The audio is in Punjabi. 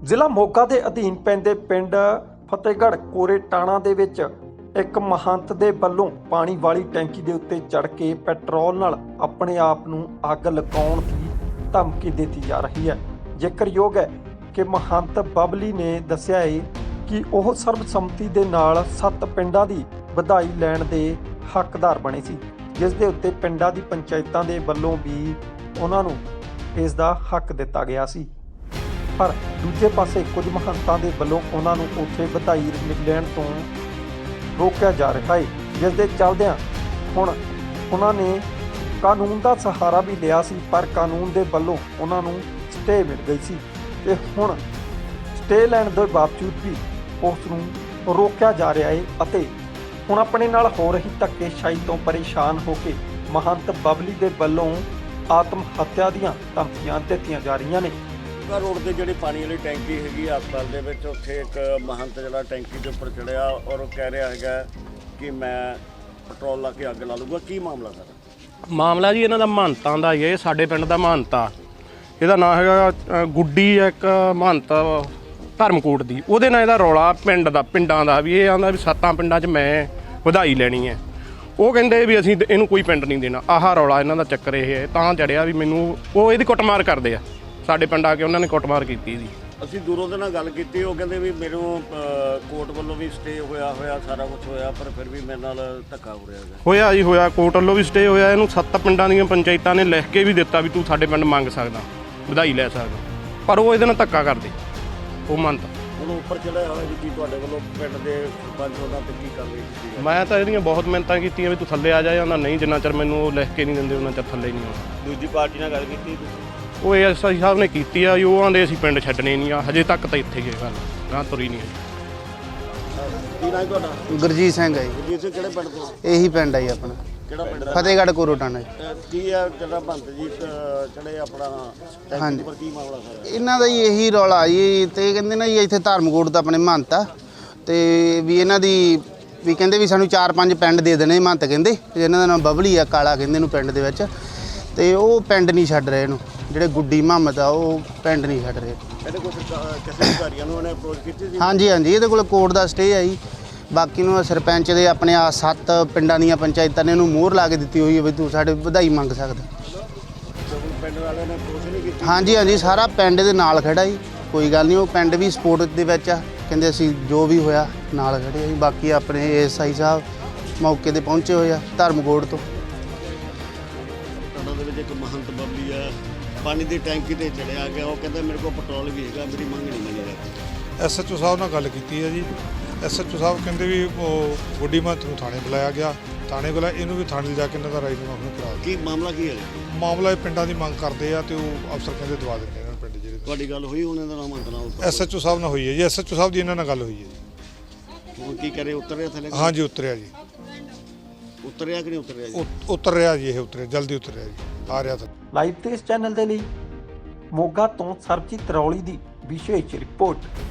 ਜ਼ਿਲ੍ਹਾ ਮੋਗਾ ਦੇ ਅਧੀਨ ਪੈਂਦੇ ਪਿੰਡ ਫਤਿਹਗੜ੍ਹ ਕੋਰੇ ਟਾਣਾ ਦੇ ਵਿੱਚ ਇੱਕ ਮਹੰਤ ਦੇ ਵੱਲੋਂ ਪਾਣੀ ਵਾਲੀ ਟੈਂਕੀ ਦੇ ਉੱਤੇ ਚੜ੍ਹ ਕੇ ਪੈਟਰੋਲ ਨਾਲ ਆਪਣੇ ਆਪ ਨੂੰ ਅੱਗ ਲਗਾਉਣ ਦੀ ਧਮਕੀ ਦਿੱਤੀ ਜਾ ਰਹੀ ਹੈ। ਜ਼ਿਕਰਯੋਗ ਹੈ ਕਿ ਮਹੰਤ ਬਬਲੀ ਨੇ ਦੱਸਿਆ ਹੈ ਕਿ ਉਹ ਸਰਬਸੰਮਤੀ ਦੇ ਨਾਲ 7 ਪਿੰਡਾਂ ਦੀ ਵਧਾਈ ਲੈਣ ਦੇ ਹੱਕਦਾਰ ਬਣੇ ਸੀ, ਜਿਸ ਦੇ ਉੱਤੇ ਪਿੰਡਾਂ ਦੀ ਪੰਚਾਇਤਾਂ ਦੇ ਵੱਲੋਂ ਵੀ ਉਹਨਾਂ ਨੂੰ ਇਸ ਦਾ ਹੱਕ ਦਿੱਤਾ ਗਿਆ ਸੀ। ਪਰ ਦੂਜੇ ਪਾਸੇ ਕੁਝ ਮਹੰਤਾਂ ਦੇ ਵੱਲੋਂ ਉਹਨਾਂ ਨੂੰ ਉੱਥੇ ਵਧਾਈ ਲੈਣ ਤੋਂ ਰੋਕਿਆ ਜਾ ਰਿਹਾ ਹੈ, ਜਿਸ ਦੇ ਚੱਲਦਿਆਂ ਹੁਣ ਉਹਨਾਂ ਨੇ ਕਾਨੂੰਨ ਦਾ ਸਹਾਰਾ ਵੀ ਲਿਆ ਸੀ, ਪਰ ਕਾਨੂੰਨ ਦੇ ਵੱਲੋਂ ਉਹਨਾਂ ਨੂੰ ਸਟੇ ਮਿਲ ਗਈ ਸੀ ਤੇ ਹੁਣ ਸਟੇ ਲੈਣ ਦੇ ਬਾਵਜੂਦ ਵੀ ਉਸ ਨੂੰ ਰੋਕਿਆ ਜਾ ਰਿਹਾ ਹੈ ਅਤੇ ਹੁਣ ਆਪਣੇ ਨਾਲ ਹੋ ਰਹੀ ਧੱਕੇਸ਼ਾਹੀ ਤੋਂ ਪਰੇਸ਼ਾਨ ਹੋ ਕੇ ਮਹੰਤ ਬਬਲੀ ਦੇ ਵੱਲੋਂ ਆਤਮ ਹੱਤਿਆ ਦੀਆਂ ਧਮਕੀਆਂ ਦਿੱਤੀਆਂ ਜਾ ਰਹੀਆਂ ਨੇ। ਰੋਡ ਤੇ ਜਿਹੜੀ ਪਾਣੀ ਵਾਲੀ ਟੈਂਕੀ ਹੈਗੀ ਹਸਪਤਾਲ ਦੇ ਵਿੱਚ, ਉੱਥੇ ਇੱਕ ਮਹੰਤ ਜਿਹੜਾ ਟੈਂਕੀ ਦੇ ਉੱਪਰ ਚੜਿਆ ਔਰ ਉਹ ਕਹਿ ਰਿਹਾ ਹੈਗਾ ਕਿ ਮੈਂ ਪੈਟਰੋਲ ਲਾ ਕੇ ਅੱਗ ਲਾ ਲੂੰਗਾ। ਕੀ ਮਾਮਲਾ ਸਰ? ਮਾਮਲਾ ਜੀ ਇਹਨਾਂ ਦਾ ਮਹੰਤਾਂ ਦਾ ਹੀ ਹੈ। ਇਹ ਸਾਡੇ ਪਿੰਡ ਦਾ ਮਹੰਤ ਆ, ਇਹਦਾ ਨਾਂ ਹੈਗਾ ਗੁੱਡੀ, ਇੱਕ ਮਹੰਤ ਧਰਮਕੋਟ ਦੀ। ਉਹਦੇ ਨਾਲ ਇਹਦਾ ਰੌਲਾ ਪਿੰਡਾਂ ਦਾ ਵੀ ਇਹ ਆਂਦਾ ਵੀ 7 ਪਿੰਡਾਂ 'ਚ ਮੈਂ ਵਧਾਈ ਲੈਣੀ ਹੈ। ਉਹ ਕਹਿੰਦੇ ਵੀ ਅਸੀਂ ਇਹਨੂੰ ਕੋਈ ਪਿੰਡ ਨਹੀਂ ਦੇਣਾ। ਆਹ ਰੌਲਾ ਇਹਨਾਂ ਦਾ ਚੱਕਰ ਇਹ ਹੈ। ਤਾਂ ਚੜਿਆ ਵੀ ਮੈਨੂੰ ਉਹ ਇਹਦੀ ਕੁੱਟਮਾਰ ਕਰਦੇ ਆ। ਸਾਡੇ ਪਿੰਡ ਆ ਕੇ ਉਹਨਾਂ ਨੇ ਕੁੱਟਮਾਰ ਕੀਤੀ ਇਹਦੀ। ਅਸੀਂ ਦੂਰੋਂ ਦੇ ਨਾਲ ਗੱਲ ਕੀਤੀ, ਉਹ ਕਹਿੰਦੇ ਵੀ ਮੈਨੂੰ ਕੋਰਟ ਵੱਲੋਂ ਵੀ ਸਟੇ ਹੋਇਆ ਸਾਰਾ ਕੁਝ ਹੋਇਆ, ਪਰ ਫਿਰ ਵੀ ਮੇਰੇ ਨਾਲ ਧੱਕਾ ਹੋ ਰਿਹਾ ਹੈਗਾ। ਹੋਇਆ ਜੀ ਹੋਇਆ, ਕੋਰਟ ਵੱਲੋਂ ਵੀ ਸਟੇ ਹੋਇਆ। ਇਹਨੂੰ 7 ਪਿੰਡਾਂ ਦੀਆਂ ਪੰਚਾਇਤਾਂ ਨੇ ਲਿਖ ਕੇ ਵੀ ਦਿੱਤਾ ਵੀ ਤੂੰ ਸਾਡੇ ਪਿੰਡ ਮੰਗ ਸਕਦਾ, ਵਧਾਈ ਲੈ ਸਕਦਾ, ਪਰ ਉਹ ਇਹਦੇ ਨਾਲ ਧੱਕਾ ਕਰਦੇ ਉਹ ਮੰਨਤ। ਹੁਣ ਉੱਪਰ ਚੜਿਆ ਹੋਇਆ ਜੀ, ਕੀ ਤੁਹਾਡੇ ਵੱਲੋਂ ਪਿੰਡ ਦੇ ਸਰਪੰਚ ਉਹਨਾਂ ਤੇ ਕੀ ਕਾਰਵਾਈ ਕੀਤੀ? ਮੈਂ ਤਾਂ ਇਹਦੀਆਂ ਬਹੁਤ ਮਿਹਨਤਾਂ ਕੀਤੀਆਂ ਵੀ ਤੂੰ ਥੱਲੇ ਆ ਜਾ ਜਾਂਦਾ, ਨਹੀਂ ਜਿੰਨਾ ਚਿਰ ਮੈਨੂੰ ਉਹ ਲਿਖ ਕੇ ਨਹੀਂ ਦਿੰਦੇ ਉਹਨਾਂ ਚਿਰ ਥੱਲੇ ਨਹੀਂ ਆਉਣਾ। ਦੂਜੀ ਪਾਰਟੀ ਨਾਲ ਗੱਲ ਕੀਤੀ ਤੁਸੀਂ? ਉਹ ਐਸਆਈ ਸਾਹਿਬ ਨੇ ਕੀਤੀ ਆ, ਉਹ ਆਂਦੇ ਅਸੀਂ ਪਿੰਡ ਛੱਡਣੇ ਨਹੀਂ ਆ, ਹਜੇ ਤੱਕ ਤਾਂ ਇੱਥੇ ਗਏ ਗੱਲ ਗਾਂ ਤੁਰੀ ਨਹੀਂ। ਕੀ ਨਾਂ ਤੁਹਾਡਾ? ਗੁਰਜੀਤ ਸਿੰਘ ਹੈ ਜੀ। ਗੁਰਜੀਤ ਸਿੰਘ ਕਿਹੜੇ ਪਿੰਡ ਤੋਂ? ਇਹੀ ਪਿੰਡ ਹੈ ਜੀ ਆਪਣਾ, ਕਿਹੜਾ ਪਿੰਡ? ਫਤਿਹਗੜ੍ਹ ਕੋਰੇ ਟਾਣਾ ਜੀ। ਕੀ ਆ ਜਿਹੜਾ ਬੰਦ ਜੀ ਚੜੇ ਆਪਣਾ ਟੈਂਕੀ ਉੱਪਰ, ਕੀ ਮਾਮਲਾ ਸਾਰਾ? ਇਹਨਾਂ ਦਾ ਜੀ ਇਹੀ ਰੌਲਾ ਜੀ, ਤੇ ਕਹਿੰਦੇ ਨਾ ਜੀ ਇੱਥੇ ਧਰਮਕੋਟ ਦਾ ਆਪਣੇ ਮਹੰਤ ਆ, ਤੇ ਵੀ ਇਹਨਾਂ ਦੀ ਵੀ ਕਹਿੰਦੇ ਵੀ ਸਾਨੂੰ 4-5 ਪਿੰਡ ਦੇ ਦੇਣੇ ਮਹੰਤ ਕਹਿੰਦੇ। ਇਹਨਾਂ ਦਾ ਨਾਮ ਬਬਲੀ ਆ, ਕਾਲਾ ਕਹਿੰਦੇ ਇਹਨੂੰ ਪਿੰਡ ਦੇ ਵਿੱਚ, ਤੇ ਉਹ ਪਿੰਡ ਨਹੀਂ ਛੱਡ ਰਹੇ ਇਹਨੂੰ। ਜਿਹੜੇ ਗੁੱਡੀ ਮੁਹੰਮਦ ਆ ਉਹ ਪਿੰਡ ਨਹੀਂ ਛੱਡ ਰਹੇ। ਇਹਦੇ ਕੋਲ ਕਿਸੇ ਅਧਿਕਾਰੀਆਂ ਨੂੰ ਉਹਨੇ ਅਪਰੋਚ ਕੀਤੀ ਸੀ? ਹਾਂਜੀ ਇਹਦੇ ਕੋਲ ਕੋਰਟ ਦਾ ਸਟੇ ਆ ਜੀ। ਬਾਕੀ ਨੂੰ ਸਰਪੰਚ ਦੇ ਆਪਣੇ ਆ 7 ਪਿੰਡਾਂ ਦੀਆਂ ਪੰਚਾਇਤਾਂ ਨੇ ਇਹਨੂੰ ਮੋਹਰ ਲਾ ਕੇ ਦਿੱਤੀ ਹੋਈ ਹੈ ਵੀ ਤੂੰ ਸਾਡੇ ਵਧਾਈ ਮੰਗ ਸਕਦਾ। ਪਿੰਡ ਵਾਲਿਆਂ ਨੇ ਅਪਰੋਚ ਨਹੀਂ ਕੀਤੀ? ਹਾਂਜੀ ਸਾਰਾ ਪਿੰਡ ਦੇ ਨਾਲ ਖੜਾ ਜੀ, ਕੋਈ ਗੱਲ ਨਹੀਂ। ਉਹ ਪਿੰਡ ਵੀ ਸਪੋਰਟ ਦੇ ਵਿੱਚ ਆ, ਕਹਿੰਦੇ ਅਸੀਂ ਜੋ ਵੀ ਹੋਇਆ ਨਾਲ ਖੜੇ ਆ ਜੀ। ਬਾਕੀ ਆਪਣੇ ਐਸਆਈ ਸਾਹਿਬ ਮੌਕੇ ਤੇ ਪਹੁੰਚੇ ਹੋਏ ਆ ਧਰਮਕੋਟ ਤੋਂ। ਦੇ ਵਿੱਚ ਇੱਕ ਮਹੰਤ ਬਬਲੀ ਆ, ਪਾਣੀ ਦੀ ਟੈਂਕੀ ਤੇ ਚੜਿਆ ਗਿਆ। ਉਹ ਕਹਿੰਦਾ ਮੇਰੇ ਕੋਲ ਪੈਟਰੋਲ ਵੀ ਹੈਗਾ, ਮੇਰੀ ਮੰਗ ਨਹੀਂ ਮੰਨੀ ਜਾਂਦੀ। ਐਸਐਚਓ ਸਾਹਿਬ ਨਾਲ ਗੱਲ ਕੀਤੀ ਹੈ ਜੀ। ਐਸਐਚਓ ਸਾਹਿਬ ਕਹਿੰਦੇ ਵੀ ਉਹ ਗੁੱਡੀ ਮਹੰਤ ਨੂੰ ਥਾਣੇ ਬੁਲਾਇਆ ਗਿਆ, ਥਾਣੇ ਬੁਲਾਇਆ, ਇਹਨੂੰ ਵੀ ਥਾਣੇ ਲਿਜਾ ਕੇ ਇਹਨਾਂ ਦਾ ਰਾਜੀਨਾਮਾ ਨੂੰ ਕਰਾ ਦਿੱਤਾ। ਕੀ ਮਾਮਲਾ ਕੀ ਹੈ? ਮਾਮਲਾ ਇਹ ਪਿੰਡਾਂ ਦੀ ਮੰਗ ਕਰਦੇ ਆ ਤੇ ਉਹ ਅਫਸਰ ਕਹਿੰਦੇ ਦਵਾ ਦਿੰਦੇ ਇਹਨਾਂ ਨੂੰ ਪਿੰਡ ਜਿਹੜੇ। ਤੁਹਾਡੀ ਗੱਲ ਹੋਈ ਉਹਨਾਂ ਦਾ ਨਾਮ ਮੰਤਨਾ? ਐਸਐਚਓ ਸਾਹਿਬ ਨਾਲ ਹੋਈ ਹੈ ਜੀ, ਐਸਐਚਓ ਸਾਹਿਬ ਦੀ ਇਹਨਾਂ ਨਾਲ ਗੱਲ ਹੋਈ ਹੈ ਜੀ। ਹੁਣ ਕੀ ਕਰੇ, ਉਤਰਿਆ ਥੱਲੇ? ਹਾਂਜੀ ਉਤਰਿਆ ਜੀ। ਉਤਰਿਆ ਕਿ ਨਹੀਂ ਉਤਰਿਆ ਜੀ? ਉਤਰ ਰਿਹਾ ਜੀ, ਇਹ ਉਤਰਿਆ, ਜਲਦੀ ਉਤਰਿਆ ਜੀ, ਆ ਰਿਹਾ ਤਾਂ। ਲਾਈਵ ਤੇ ਇਸ ਚੈਨਲ ਦੇ ਲਈ ਮੋਗਾ ਤੋਂ ਸਰਬਜੀਤ ਰੌਲੀ ਦੀ ਵਿਸ਼ੇਸ਼ ਰਿਪੋਰਟ।